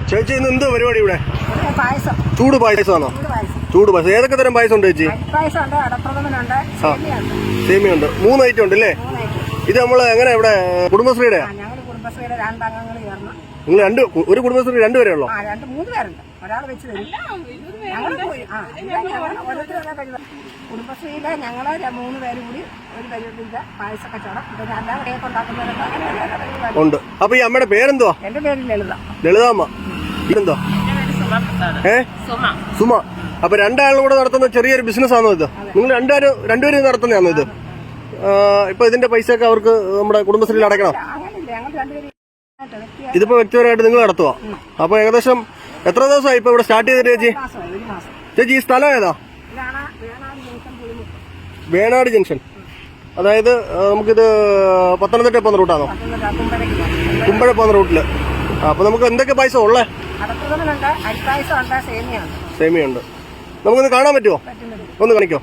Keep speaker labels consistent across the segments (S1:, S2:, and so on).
S1: ചേച്ചി ഇന്ന് എന്ത് പരിപാടി ഇവിടെ?
S2: പായസം.
S1: ചൂട് പായസമാണോ? ചൂട് പായസം. ഏതൊക്കെ തരം പായസം ഉണ്ട് ചേച്ചി? സേമിയുണ്ട്. 3 ഐറ്റം ഉണ്ട് അല്ലേ? ഇത് നമ്മള് എങ്ങനെ ഇവിടെ കുടുംബശ്രീയുടെ? നിങ്ങൾ ഒരു കുടുംബശ്രീ 2 പേരേ ഉള്ളോ?
S2: 3 പേരുണ്ട്. ഒരാൾ വെച്ച് തരും. കുടുംബശ്രീയിലെ ഞങ്ങള് 3 പേര് കൂടി ഒരു പരിപാടിയില്ല പായസ കച്ചവടം. പിന്നെ അല്ലാതെ ഉണ്ടാക്കുന്നവരൊക്കെ
S1: ഉണ്ട്. അപ്പൊ ഈ അമ്മയുടെ പേരെന്തുവാ?
S2: എന്റെ പേര് ലളിത.
S1: ലളിതാമ്മ. ഇതെന്തോ? സുമ. അപ്പൊ 2 ആളും കൂടെ നടത്തുന്ന ചെറിയൊരു ബിസിനസ് ആണോ ഇത്? നിങ്ങൾ രണ്ടുപേരും നടത്തുന്നതാണോ ഇത്? ഇപ്പൊ ഇതിന്റെ പൈസ ഒക്കെ അവർക്ക് നമ്മുടെ കുടുംബശ്രീയിൽ അടയ്ക്കണം. ഇതിപ്പോ വ്യക്തിപരമായിട്ട് നിങ്ങൾ നടത്തുക. അപ്പൊ ഏകദേശം എത്ര ദിവസമായി ഇപ്പൊ ഇവിടെ സ്റ്റാർട്ട് ചെയ്തിട്ട് ചേച്ചി? ചേച്ചി ഈ സ്ഥലം ഏതാ? വേണാട് ജംഗ്ഷൻ. അതായത് നമുക്കിത് പത്തനംതിട്ട പോകുന്ന റൂട്ടാണോ? കുമ്പഴ പോകുന്ന റൂട്ടില്. അപ്പൊ നമുക്ക് എന്തൊക്കെ പായസം ഉള്ളേ? സേമിയുണ്ട്. നമുക്കൊന്ന് കാണാൻ പറ്റുമോ? ഒന്ന് കാണിക്കോ?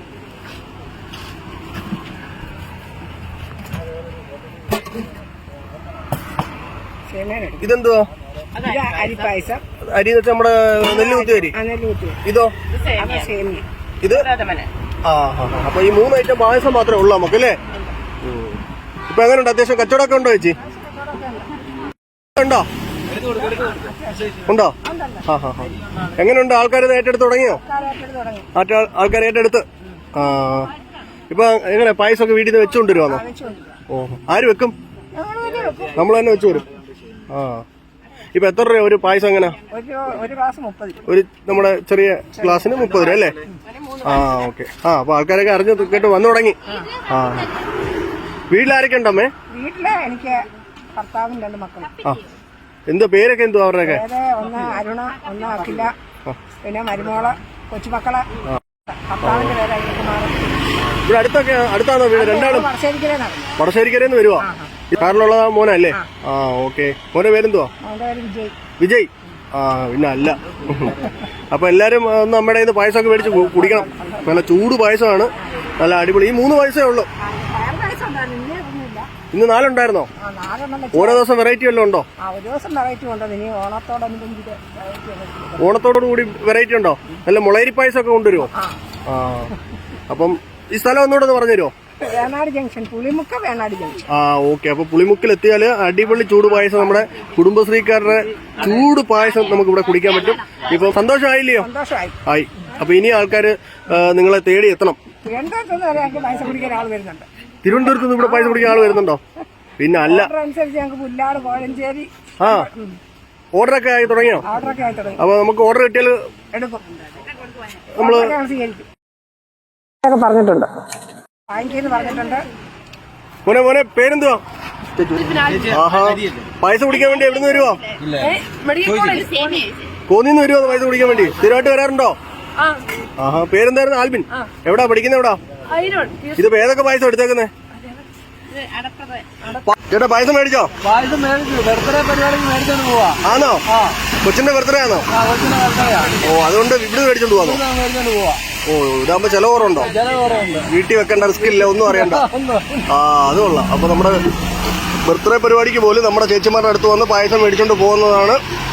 S1: ഇതെന്തുവാ? അരി എന്ന് വെച്ചാൽ നമ്മുടെ നെല്ല് കുത്തി അരി. ഇതോ? ഇത് അപ്പൊ ഈ 3 ഐറ്റം പായസം മാത്രമേ ഉള്ളൂ നമുക്ക് അല്ലേ? ഇപ്പൊ എങ്ങനെയുണ്ട്? അത്യാവശ്യം കച്ചവടമൊക്കെ ഉണ്ടോ ചേച്ചി? ഉണ്ടോ? ഉണ്ടോ? എങ്ങനെയുണ്ട്? ആൾക്കാർ ഏറ്റെടുത്ത് തുടങ്ങിയോ? ആൾക്കാർ ഏറ്റെടുത്ത്. ഇപ്പൊ എങ്ങനെ പായസമൊക്കെ വീട്ടിൽ നിന്ന് വെച്ചുകൊണ്ടിരുവാണോ? ഓ, ആര് വെക്കും? നമ്മൾ തന്നെ വെച്ചു വരും. ഇപ്പൊ എത്ര രൂപ ഒരു പായസം? എങ്ങനെ? ഒരു നമ്മുടെ ചെറിയ ഗ്ലാസ്സിന് 30 രൂപ അല്ലേ? ഓക്കെ. അപ്പൊ ആൾക്കാരൊക്കെ അറിഞ്ഞു കേട്ട് വന്നു തുടങ്ങി. വീട്ടിലാരൊക്കെ ഉണ്ടമ്മേ?
S2: വീട്ടില് എനിക്ക് ഭർത്താവും 2 മക്കളും.
S1: എന്തോ പേരൊക്കെ എന്തോ അവരുടെയൊക്കെ?
S2: ഒന്ന് അരുണ, ഒന്ന് അഖില, പിന്നെ മരുമോള്, കൊച്ചുമക്കള്. ഭർത്താവിന്റെ പേര് അയ്യപ്പകുമാർ.
S1: ഇവിടെ അടുത്താണോ വീട്? 2 ആളും വടശ്ശേരിക്കരന്ന് വരുവാ. കാറിലുള്ള മോനല്ലേ? ഓക്കെ. മോന്റെ പേരെന്തുവാ? വിജയ്. പിന്നെ അല്ല. അപ്പൊ എല്ലാരും ഒന്ന് നമ്മുടെ കയ്യിൽ നിന്ന് പായസമൊക്കെ മേടിച്ച് കുടിക്കണം. നല്ല ചൂട് പായസമാണ്, നല്ല അടിപൊളി. ഈ 3 പായസമേ ഉള്ളൂ. ഇന്ന് 4 ഉണ്ടായിരുന്നോ? ഓരോ ദിവസം വെറൈറ്റി വല്ലതും ഉണ്ടോ? ഓണത്തോടു കൂടി വെറൈറ്റി ഉണ്ടോ? നല്ല മുളയരി പായസം ഒക്കെ കൊണ്ടുവരുമോ? അപ്പം ഈ സ്ഥലം ഒന്നുകൂടെ ഒന്ന് പറഞ്ഞുതരുമോ?
S2: Venad junction, Pulimukku Venad junction.
S1: Okay. അപ്പൊ പുളിമുക്കിൽ എത്തിയാല് അടിപൊളി ചൂട് പായസം, നമ്മുടെ കുടുംബശ്രീക്കാരുടെ ചൂട് പായസം നമുക്ക് ഇവിടെ കുടിക്കാൻ പറ്റും. ഇപ്പൊ സന്തോഷമായില്ലയോ? ആയി. അപ്പൊ ഇനി ആൾക്കാര് നിങ്ങളെ തേടി എത്തണം. തിരുവനന്തപുരത്ത് നിന്ന് ഇവിടെ പായസം കുടിക്കാൻ ആൾ വരുന്നുണ്ടോ? പിന്നെ അല്ല. ഓർഡറൊക്കെ ആയി തുടങ്ങിയോ? അപ്പൊ നമുക്ക് ഓർഡർ കിട്ടിയാൽ നമ്മള്
S2: പറഞ്ഞിട്ടുണ്ട്.
S1: മോനെ പേരെന്തുവാ? പായസം കുടിക്കാൻ വേണ്ടി എവിടെ നിന്ന് വരുവോ? കോന്നിന്ന് വരുവോ പായസം കുടിക്കാൻ വേണ്ടി? സ്ഥിരമായിട്ട് വരാറുണ്ടോ? പേരെന്തായിരുന്നു? ആൽബിൻ. എവിടാ പഠിക്കുന്നത്? എവിടാ? ഇതിപ്പോ ഏതൊക്കെ പായസം എടുത്തേക്കുന്നേ? ചേട്ടാ പായസം മേടിച്ചോ?
S3: പായസം മേടിച്ചു. ബർത്ത്ഡേ പരിപാടിക്ക് മേടിച്ചോണ്ട് പോവാ.
S1: ആണോ? കൊച്ചിന്റെ ബർത്ത്ഡേ ആണോ? അതുകൊണ്ട് ഇവിടെ മേടിച്ചോണ്ട് പോവാന്നോ?
S3: മേടിച്ചോണ്ട് പോവാ.
S1: ഇതാകുമ്പോ ചെലവ് കുറവുണ്ടോ? വീട്ടിൽ വെക്കേണ്ട റിസ്ക് ഇല്ല, ഒന്നും അറിയണ്ട. അത് കൊള്ളാം. അപ്പൊ നമ്മുടെ ബർത്ത്ഡേ പരിപാടിക്ക് പോലും നമ്മുടെ ചേച്ചിമാരുടെ അടുത്ത് വന്ന് പായസം മേടിച്ചോണ്ട് പോകുന്നതാണ്